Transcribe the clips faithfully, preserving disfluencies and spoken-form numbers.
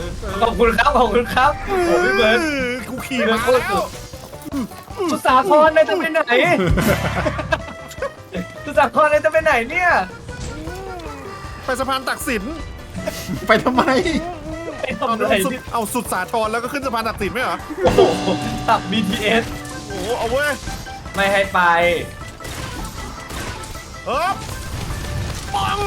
ขอบคุณครับขอบคุณครับโอ้พี่เบิร์ดกูขี่มาแล้วสุสาครนายจะไปไหนสุสาครนายจะไปไหนเนี่ยไปสะพานตักสินไปทำไมไปเอาทำอะไรสุดที่เอาสุดสาทรแล้วก็ขึ้นสะพานตักสินไหมเหรอโอ้โหตับ บี ที เอสโอ้โหเอาเว้ยไม่ให้ไปเออปัง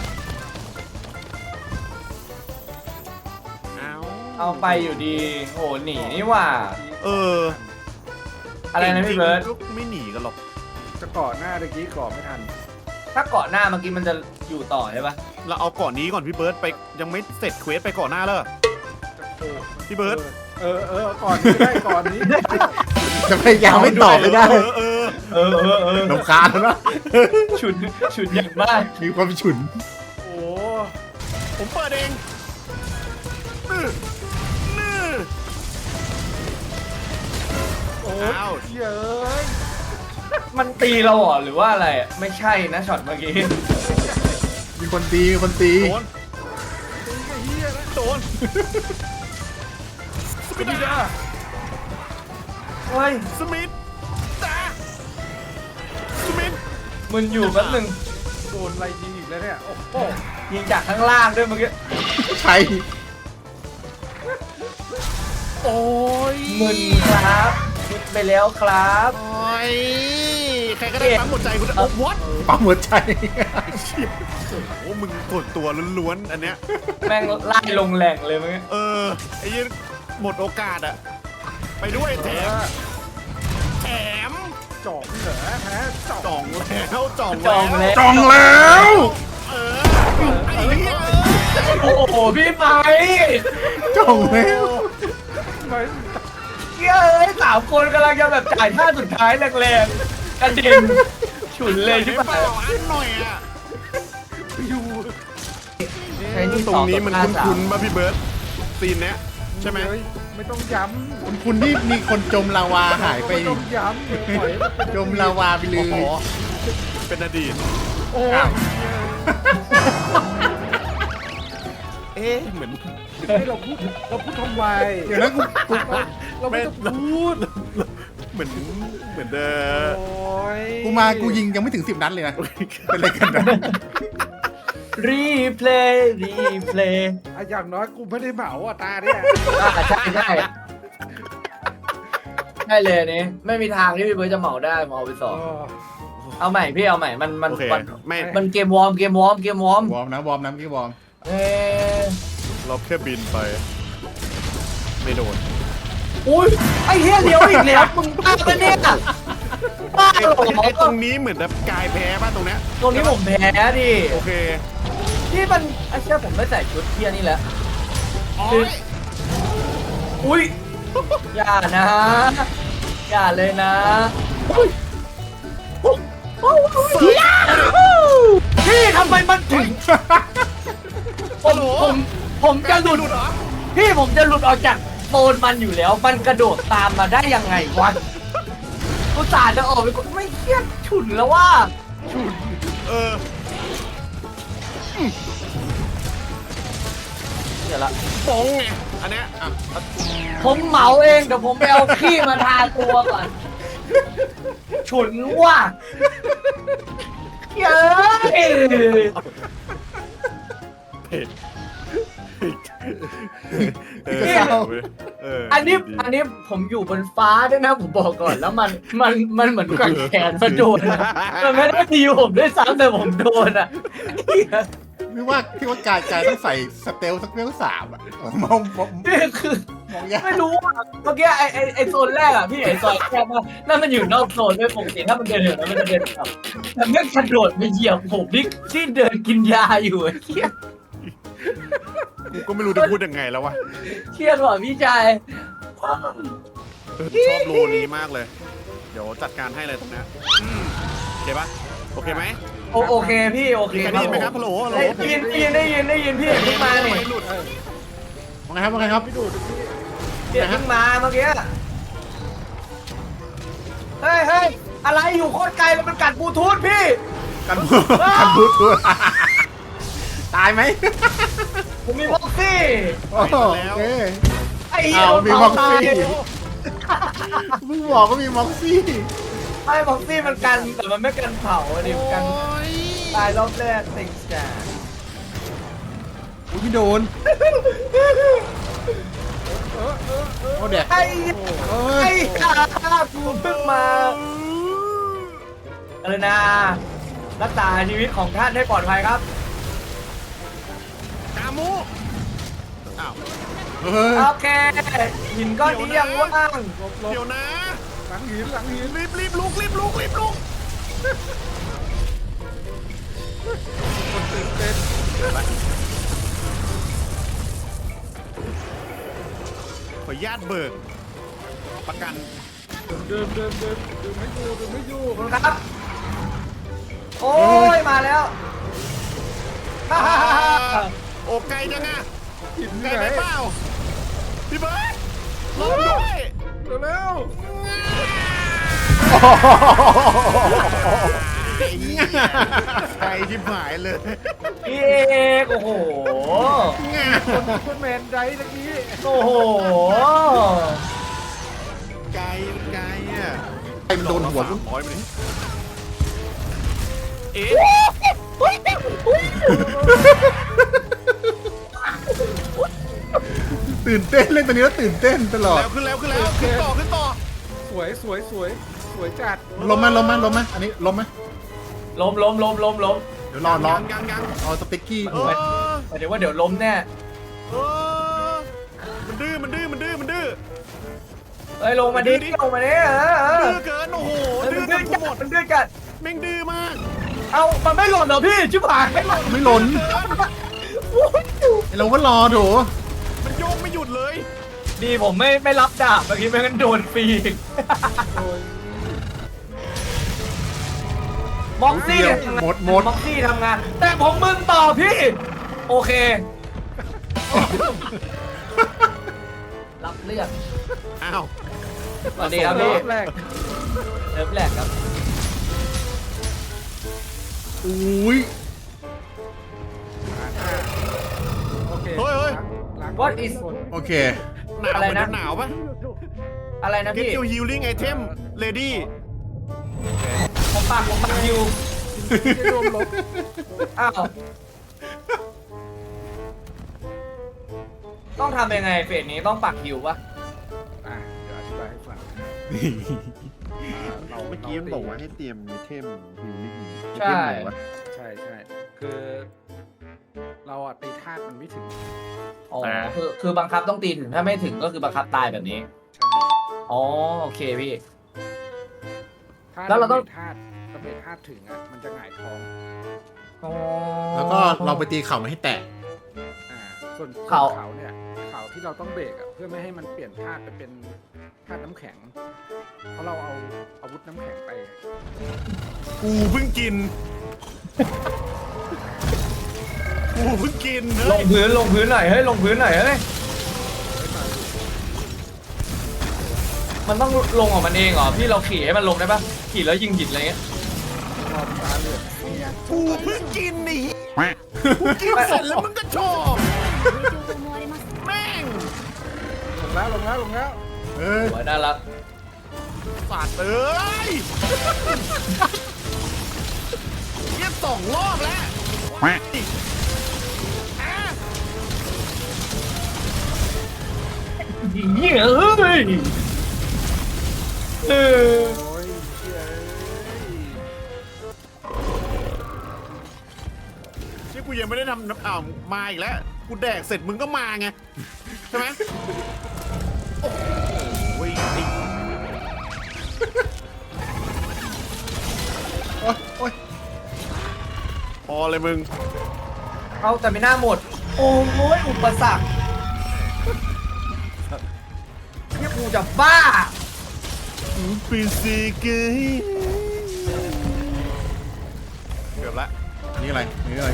เอาเอาไปอยู่ดีโอ้หนีนี่หว่าเอออะไรนะพี่เบิร์ดก็ไม่หนีกันหรอกจะเกาะหน้าตะกี้เกาะไม่ทันถ้าเกาะหน้าเมื่อกี้มันจะอยู่ต่อใช่ปะเราเอาก่อนนี้ก่อนพี่เบิร์ดไปยังไม่เสร็จเควสไปก่อนหน้าเลยพี่เบิร์ดเออเออก่อนนี้ได้ก่อนนี้จะพยายามไม่ตอบไม่ได้เออเออเออเออเออลำคาญแล้วนะฉุนฉุนอย่างมากมีความฉุนโอ้ผมเปิดเองนี่นี่โอ้อ้าวเย้ยมันตีเราเหรอหรือว่าอะไรอะไม่ใช่นะช็อตเมื่อกี้มีคนตีมีคนตีโดนตีไอ้เหี้ยนะโดนสมิธดาเฮ้ยสมิธดาสมิธมึนอยู่แป๊บนึงโดนอะไรยิงอีกแล้วเนี่ยโอ้โหยิงจากข้างล่างด้วยเมื่อกี้ใครโอ้ยมึนครับมึนไปแล้วครับโอ้ยใครก็ได้ปั๊มหัวใจกูได้โอ้ what ปั๊มหัวใจโอ้มึงกดตัวล้วนๆอันเนี้ยแม่งไล่ลงแหล่งเลยเมื่อกี้เออไอ้ยี่หมดโอกาสอะไปด้วยแถมแถมจ่องเหรอฮะจ่องจ่องแล้วจ่องจองแล้วแล้วจองแล้วเออไอ้เหี้ยโอ้โหพี่ไปจองแล้วไม่เฮ้ยสามคนกำลังจะแบบจ่ายท่าสุดท้ายแรงๆกระเด็นฉุนเลยที่เปผ่าล่าน อันหน่อยอะอยู่ใช้ที่ตรงนี้มันสองต่อห้าคุ้นๆมาพี่เบิร์ตซีนเนี้ยใช่ไหมเฮ้ยไม่ต้องย้ำคุณคุณนี่มีคนจมลาวาหายไปไม่ต้องย้ำเดี๋ยวปล่อยให้มันเป็นจมลาวาไปเลโอ้ยโหเป็นอดีตโอ้ยเอ๊ะเหมือนให้เราพูดเราพูดทำไมเดี๋ยวนะกูกูเราไม่ต้องพูดเหมือนเหมือนเดิมโอ้ยกูมากูยิงยังไม่ถึงสิบนัดเลยนะ เป็นอะไรกันนะรีเพลย์รีเพลย์อ่ะอย่างน้อยกูไม่ได้เหมาอ่ะตาเนี่ยอ่าใช่ใช่ใช่เลยนี่ไม่มีทางที่พี่เบิร์ดจะเหมาได้เหมาไปสอ๋อองเอาใหม่พี่เอาใหม่มันมันโอเคมันไม่มันเกมวอร์มเกมวอร์มเกมวอร์มวอร์มนะวอร์มนะพี่วอร์มเอ๊ะเราแค่บินไป ไม่โดนอุ้ยไอ้เฮียเลี้ยวอีกแล้วมึงบ้าปะเนี่ยบ้าไอ้เหรอไอ้ตรงนี้เหมือนแบบกายแพ้ป่ะตรงเนี้ยตรงนี้ผมแพ้ดิโอเคที่มันไอ้เชี่ยผมไม่ใส่ชุดเทียนี่แหละโอ้ยอุ้ยอย่านะ อย่าเลยนะพี่ทำไมมันถึงผมผมผมจะหลุดพี่ผมจะหลุดออกจากโซนมันอยู่แล้ว มันกระโดดตามมาได้ยังไงวะกูสาจะออกไปกดไม่เครียดฉุนแล้วว่าเออเดี๋ยวละปองไงอันเนี้ยอ่ะผมเหมาเองเดี๋ยวผมไปเอาขี้มาทาตัวก่อน ฉุนว่ะเย้ยเผ็ดเอก็เศร้าเอออันนี้ดีอันนี้ผมอยู่บนฟ้าด้วยนะผมบอกก่อนแล้วมันมันมันเหมือนกับแขนมันโดนอะมันไม่ได้ตีผมด้วยซ้ำแต่ผมโดนอ่ะพี่ว่าพี่ว่ากายกายต้องใส่สเตลสักเลเวลสามอ่ะมองมองนี่คือมองยากไม่รู้อ่ะเมื่อกี้ไอไอไอโซนแรกอ่ะพี่ไอโซนแรกว่านั่นมันอยู่นอกโซนด้วยปกติถ้ามันเดินเหินแล้วมันจะเดินกลับแต่ไม่กระโดดไปเหยียบผมนี่ที่เดินกินยาอยู่ไอ้เหี้ยกูก็ไม่รู้จะพูดยังไงแล้ววะเครียดว่ะพี่ชายเออชอบโลนี้มากเลย เดี๋ยวจัดการให้เลยตรงเนี้ยอืมโอเคปะโอเคไหมโอโอเคพี่โอเคมีใครได้ยินไหมครับฮัลโหลฮัลโหลได้ยินได้ยินได้ยินได้ยินพี่เพิ่งมาเนี่ยไม่หลุดว่าไงครับว่าไงครับไม่ดูดพี่พี่เพิ่งมาเมื่อกี้เฮ้ยเฮ้ยอะไรอยู่โคตรไกลแล้วมันกัดบลูทูธพี่กันบูกันบูทูธตายไหมผมมีม็อกซี่โอ้โหโอเคไอ้เหี้ยเอามีโดนม็อกเผาซี่ตายมึงบอกว่ามีม็อกซี่ไอ้ม็อกซี่มันกันแต่มันไม่กันเผาอะดิมันกันโอ้ยตายรอบแรกติงจ้าอุ้ยไม่โดนเออเออเออเอาเด็กไอ้เอ้ไอ้ยข้ากูเพิ่งมาอะไรนะรักษาชีวิตของท่านให้ปลอดภัยครับกามูอ้าวเฮ้ยโอเคหินก้อนนี้ยังว่างหลบหลบเดี๋ยวนะหลังหินหลังหินรีบรีบลุกรีบลุกรีบลุกคนตื่นเต้นขออนุญาตเบิกประกันเดินเดินเดินเดินไม่อยู่เดินไม่อยู่ขอบคุณครับ โอ้ยมาแล้วฮ่าฮ่าฮ่าฮ่าโอ้ไกลจังอะหินไกลที่ไหนไปเปล่าพี่เบิร์ดรอด้วยเร็วไกลชิบหายเลยพี่เอกโอ้โหๆคนซุปเปอร์แมนได้ตะกี้โอ้โหไกลไกลอ่ะไอ้มันโดนหัวสามร้อยไปเลยเอ๊ะตื่นเต้นเล่นตัวนี้แล้วตื่นเต้นตลอดแล้วขึ้นแล้วขึ้นแล้วขึ้นต่อขึ้นต่อสวยสวยสวยสวยจัดลมไหมลมไหมลมไหมอันนี้ลมไหมล้มล้มล้มล้มล้มเดี๋ยวรอรอยังยังยังเอาสติ๊กกี้เออหมายถึงว่าเดี๋ยวล้มแน่เออมันดื้อมันดื้อมันดื้อมันดื้อเอ้ยลงมาดิลงมาดิเออเออดื้อเกินโอ้โหเออดื้มัอน กัดื้อน จัดหมดมันดื้อจัดแม่งดื้อมากเอามันไม่หล่นเหรอพี่ชิบหายไม่หล่นไม่หล่นไอ้เราก็รอโถมันโยกไม่หยุดเลยดีผมไม่ไม่รับดาบเมื่อกี้ไม่งั้นโดนฟรีอีกโอ้ยม็อกซี่เดียวทำงานหมดหมดม็อกซี่ทำงาน แต่ผมมึนต่อพี่ โอเค รับเลือกอ้าวสวัสดีครับพี่รอบแรกเริ่มแรกครับอุ้ยโอเคเฮ้ยเฮ้ยล้าง What is คนโอเคหนาวอะไรเหมือนนะจะหนาวปะอะไรนะ Get พี่ your healing item ready ผมปากผมปากอยู่ไม่รวมลบอ้าว ต้องทำยังไงเฟสนี้ต้องปักฮิวปะอ่ะเดี๋ยวอธิบายให้ฟังเราเมื่อกี้มันบอกว่าให้เตรียมไอเทมฮิลลิ่งใช่ใช่ใช่คือ เราอะตีธาตุมันไม่ถึงอ๋อคือคือบังคับต้องตีถึงถ้าไม่ถึงก็คือบังคับตายแบบนี้ใช่อ๋อโอเคพี่ถ้าแล้วเราต้องธาตุเราเบรกธาตุถึงอ่ะมันจะหงายท้องอ๋อแล้วก็เราไปตีเข่ามันให้แตกอ่าส่วนเขาส่วนเขาเนี่ยเขาที่เราต้องเบรกอ่ะเพื่อไม่ให้มันเปลี่ยนธาตุไปเป็นธาตุน้ำแข็ง เพราะเราเอาอาวุธน้ำแข็งไปกูเพิ่งกิน กูเพิ่งกินลเฮ้ยงพื้นลงพื้นหน่อยเฮ้ยลงพื้นหน่อยเฮ้ยมันต้องลงของมันเองเหรอพี่เราขี่ให้มันลงได้ปะขี่แล้วยิงหินอะไรเงี้ยรอบตาเหลือกกูเพิ่งกินนี่กูกินเสร็จแล้วมึงก็ชอบแม่งลงแล้วลงแล้วลงแล้วเออสวยน่ารักสัตว์เอ้ยเยี่ยสองรอบแล้วอ่ะยิงเหี้ยเฮ้ยเออโอ้ยเชี่ยที่กูยังไม่ได้ทำน้ำอ่าวมาอีกแล้ว กูแดกเสร็จมึงก็มาไง ใช่ไหมโอ้โหไอ้โอ๊ยโอ๊ยพอเลยมึงเอาแต่ไม่น่าหมด โอ้ยอุปสรรคเนี่ยกูจะบ้าเป็นสิเกยเกือบละอันนี้อะไรอันนี้อะไร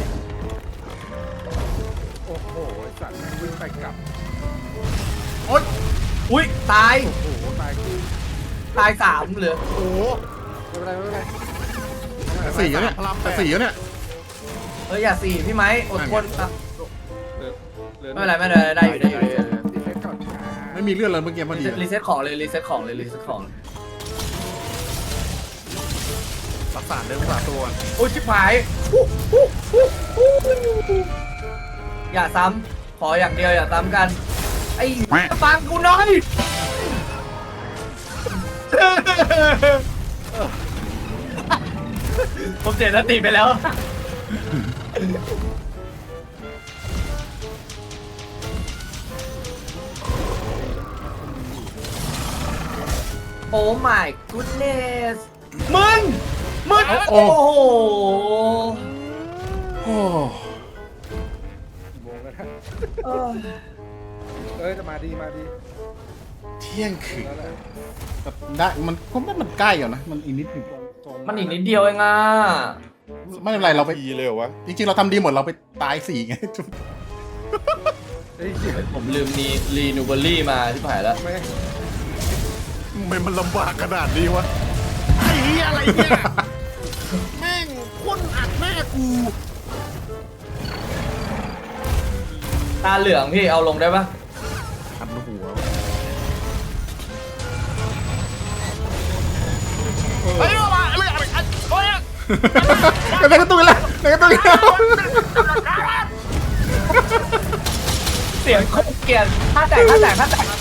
โอ้โหไอ้สัตว์แม่งวิ่งไปกลับโอ๊ยอุ้ยตายโอ้โหตายคือตายสามเหลือโอ้โหไม่เป็นไรไม่เป็นไรแต่สี่แล้วเนี่ยพลังแปดแต่สี่แล้วเนี่ยเฮ้ยอย่าสี่พี่ไม้อดทนอ่ะเหลือไม่เป็นไรไม่เป็นไรได้อยู่ได้อยู่ได้อยู่รีเซ็ตก่อนไม่มีเลือดเลยเมื่อกี้พอดีรีเซ็ตของเลยรีเซ็ตของเลยรีเซ็ตของรักษาเรื่องรักษาตัวก่อนโอ้ยชิบหายอย่าซ้ำขออย่างเดียวอย่าซ้ำกันไอ้ฟังกูหน่อยผมเสียสติไปแล้วโอ้ my goodness มึงมึงโอ้โหโอ้โมงแล้วนะเออเอ้ยจะมาดีมาดีเที่ยงคืนแล้วแหละแบบได้มันก็ไม่มันใกล้อยู่นะมันอีกนิดหนึงตรงๆมันอีกนิดเดียวเองอ่ะไม่เป็นไรเราไปดีเลยเหรอวะจริงๆเราทำดีหมดเราไปตายสี่ไงเฮ้ยเหี้ยผมลืมนีรีนูเบอรี่มาที่ผ่านแล้วไม่ทำไมมันลำบากขนาดนี้วะไอ้เหี้ยอะไรเนี่ยแม่งพ่นอัดแม่กูตาเหลืองพี่เอาลงได้ปะคันหัวเฮ้ยเอามาเลยอะไรโอ้ยในกระตุ้นแล้วในกระตุ้นแล้วเสียงโคตรเกลียดถ้าแตกถ้าแตกถ้าแตก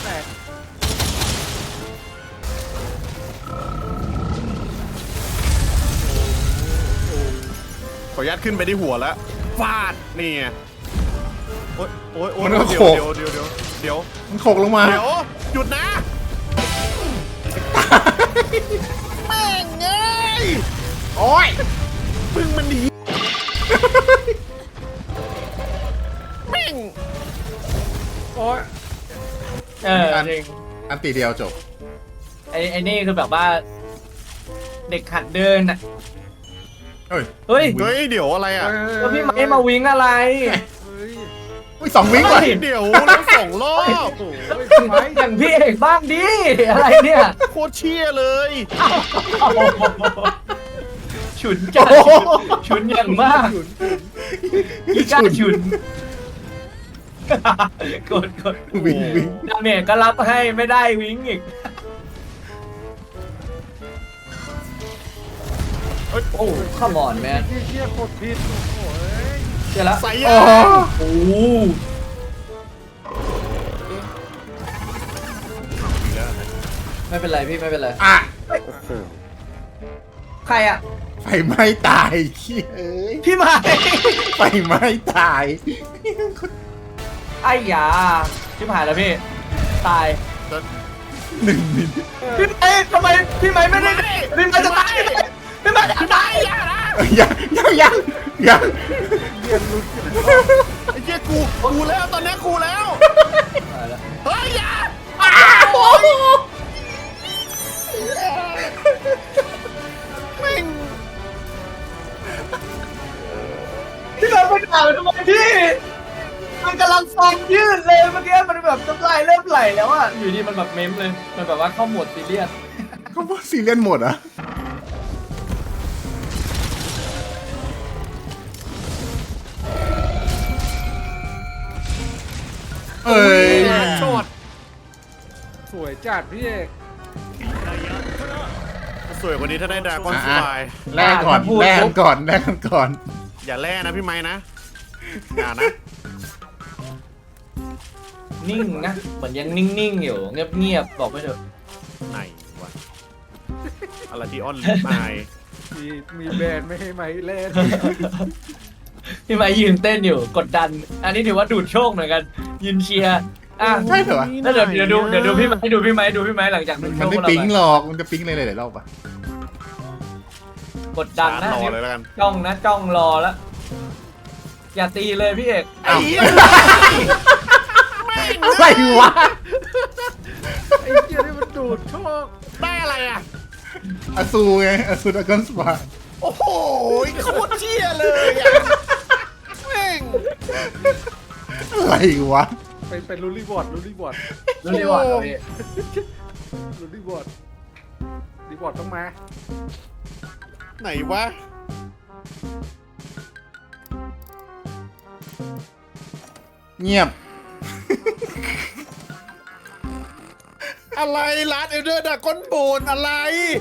ขออนุญาตขึ้นไปที่หัวแล้วฟาดนี่ไงโอ๊ยโอ๊ยโอ๊ยมันก็เดี๋โขยวกเดี๋ยวเดี๋ยวเดี๋ยวเดี๋ยวมันโขกลงมาเดี๋ยวหยุดนะแม่งเอ้ยโอ้ยพึ่งมันหนีแม่งโอ้ยเออจริงอันตีเดียวจบไอ้ไอ้นี่คือแบบว่า เด็กหัดเดินอ่ะเฮ้ยเฮ้ยเฮ้ยเดี๋ยวอะไรอ่ะแล้วพี่ไม้มาวิ่งอะไรเฮ้ยอุ้ยสองวิ้งว่ะเดี๋ยวแล้วสองรอบโอ้ยไม้อย่างพี่เอกบ้างดิอะไรเนี่ยโคตรเชี่ยเลยฉุนจัดฉุนอย่างมากอีกาฉุนกดกดวิ่งวิ่งดาเมจก็รับให้ไม่ได้วิ่งอีกโอ้ข้ามอนแมนเหี้ยเหี้ยกดผิดโอ้ยเจอแล้วใส่โอ้ยาโอ้ไม่เป็นไรพี่ไม่เป็นไรอะใครอ่ะไฟไหม้ตายเขี้ยเอ้ยพี่ไม้ไฟไหม้ตายไอ้ยาชิบหายแล้วพี่ ตายหนึ่งมิลพี่ไม้ทำไมพี่ไม้ไม่ได้พี่ไม้จะตายพี่ไม้จะตายเอ้ยยังยังยังยังเรียนรู้กันไอ้เหี้ยกูกูแล้วตอนนี้กูแล้วตายแล้วเฮ้ยอยาอ้าวโอ้โหแม่งพี่ไม้ไปด่ามันทำไมพี่มันกำลังฟองยืดเลยเมื่อกี้มันแบบน้ำลายเริ่มไหลแล้วอ่ะอยู่ดีมันแบบเม้มเลยมันแบบว่าเข้าโหมดซีเรียสเขาบอกซีเรียสหมดเหรอ่ะเอ้ยโชดสวยจัดพี่เอกสวยกว่านี้ถ้าได้ดราก้อนสอ่ะบายแลกก่อนแลกกันก่อนแลกกันก่อนอย่าแล่นะพี่ไม้นะอย่านะนิ่งนะเหมือนยังนิ่งๆอยู่เงียบๆบอกไปเถอะไหนวะอะไรที่อ้อนลิปไม้มีมีแบรนด์ไม่ให้ไหมเล่นพี่ไม้ยืนเต้นอยู่กดดัน อันนี้ถือว่าดูดโชคเหมือนกันยืนเชียร์อ่ะใช่เหรอวะแล้วเดี๋ยวเดี๋ยวดูเดี๋ยวดูพี่ไม้ดูพี่ไม้ดูพี่ไม้หลังจากดูดโชมันคไม่เราปิ๊งไปหรอกมันจะปิ๊งเลยหลายๆรอบอ่ะกดดันนะรอเลยแล้วกันจ้องนะจ้องรอแล้วอย่าตีเลยพี่เอกอ้าวไอ้เหี้ยอะไรวะไอ้เหี้ยนี่มันดูดโชคได้อะไรอ่ะอาซูไงอาซูดากอนสปาโอ้โหโคตรเชี่ยเลยอ่ะแม่งอะไรวะเป็นเป็นรูลี่บอร์ดรูลี่บอร์ดรู้ดีว่าพี่รูลี่บอร์ดรีบอร์ดต้องมาไหนวะเงียบอะไรร้านเอลเดอร์ดากอนโบนอะไร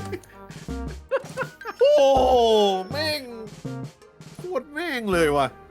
โอ้โหแม่งโคตรแม่งเลยว่ะ